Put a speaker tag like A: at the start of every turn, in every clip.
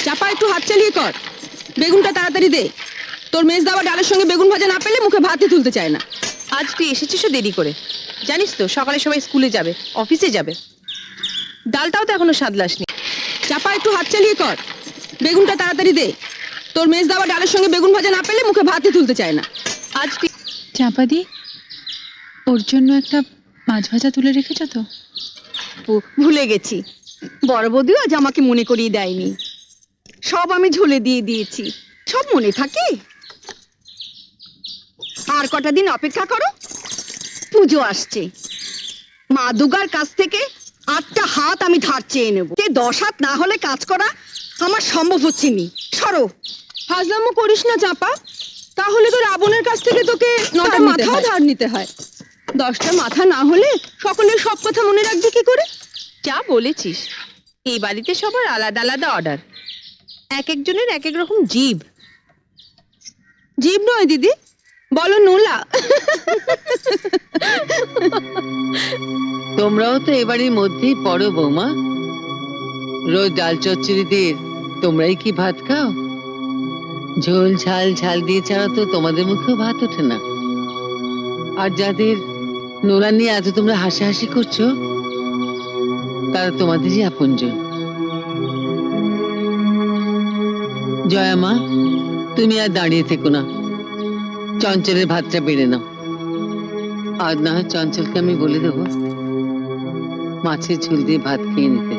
A: চাপা একটু হাত চালিয়ে কর, বেগুনটা তাড়াতাড়ি দে। তোর মেজ দাওয়া ডালের সঙ্গে বেগুন ভাজা না পেলে মুখে ভাতই তুলতে চায় না।
B: আজ তুই এসেছিস দেরি করে, জানিস তো সকালে সবাই স্কুলে যাবে, অফিসে যাবে। ডালটাও তো এখনো সাদলাসনি।
A: চাপা একটু হাত চালিয়ে কর, বেগুনটা তাড়াতাড়ি দে। তোর মেজ দাওয়া ডালের সঙ্গে বেগুন ভাজা না পেলে মুখে ভাতই তুলতে চায় না।
B: আজ তুই
C: চাপাদি, ওর জন্য একটা মাছ ভাজা তুলে রেখেছ তো?
D: ভুলে গেছি, বড় বৌদিও আজ আমাকে মনে করিয়ে দেয়নি। সব আমি ঝোলে দিয়ে দিয়েছি, সব মনে থাকে। আর কটা দিন অপেক্ষা করো, পুজো আসছে। মা দুর্গার কাছ থেকে 8টা হাত আমি ধার চেয়ে নেবো। 10 হাত না হলে কাজ করা আমার সম্ভব হচ্ছে নি। সরো।
A: ফাজলামো করিস না চাপা, তাহলে তো রাবণের কাছ থেকে তোকে 9টা মাথাও ধার নিতে হয়। 10টা মাথা না হলে সকলের সব কথা মনে রাখবি কি করে?
B: যা বলেছিস, এই বাড়িতে সবার আলাদা আলাদা অর্ডার, এক একজনের এক এক রকম জিভ।
A: জীব নয় দিদি, বলো নোলা।
E: তোমরাও তো এবারের মধ্যেই পড়ো বৌমা। রোজ ডাল চচ্চড়ি দিয়ে তোমরাই কি ভাত খাও? ঝোল ঝাল ঝাল দিয়ে ছাড়া তো তোমাদের মুখেও ভাত ওঠে না। আর যাদের নোলা নিয়ে এত তোমরা হাসাহাসি করছো, তারা তোমাদেরই আপনজন। জয়া মা, তুমি আর দাঁড়িয়ে থেকো না, চঞ্চলের ভাতটা বেড়ে নাও। আর না হয় চঞ্চলকে আমি বলে দেবো মাছের ঝোল দিয়ে ভাত খেয়ে নিতে।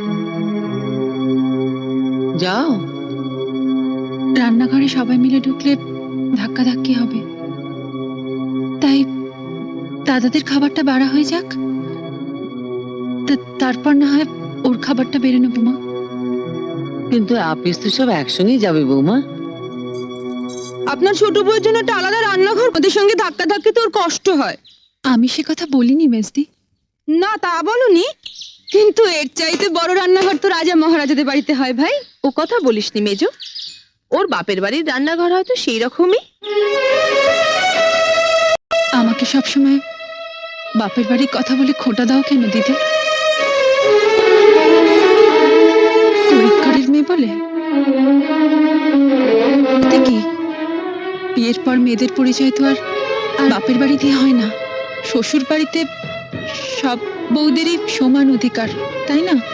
E: যাও।
C: রান্নাঘরে সবাই মিলে ঢুকলে ধাক্কাধাক্কি হবে, তাই দাদাদের খাবারটা বাড়া হয়ে যাক, তারপর না হয় ওর খাবারটা বেড়ে নেবো মা।
E: কিন্তু আপিস তো সব একসঙ্গেই যাবে বৌমা।
A: আপনার ছোট বউয়ের জন্য একটা আলাদা রান্নাঘর, ওদের সঙ্গে ধাক্কা ধাক্কি তোর কষ্ট হয়।
C: আমি সে কথা বলিনি মেজদি।
A: না তা বলনি, কিন্তু এর চাইতে বড় রান্নাঘর তো রাজা মহারাজাদের বাড়িতে হয় ভাই।
B: ও কথা বলিসনি মেজো, ওর বাপের বাড়ির রান্নাঘর হয়তো সেই রকমই।
C: আমাকে সবসময় বাপের বাড়ির কথা বলে খোটা দাও কেন দিদি? গরিব মেয়ে বলে কি? বিয়ের পর মেয়েদের পরিচয় তো আর বাপের বাড়ি দিয়ে হয় না। শ্বশুর বাড়িতে সব বউদেরই সমান অধিকার, তাই না?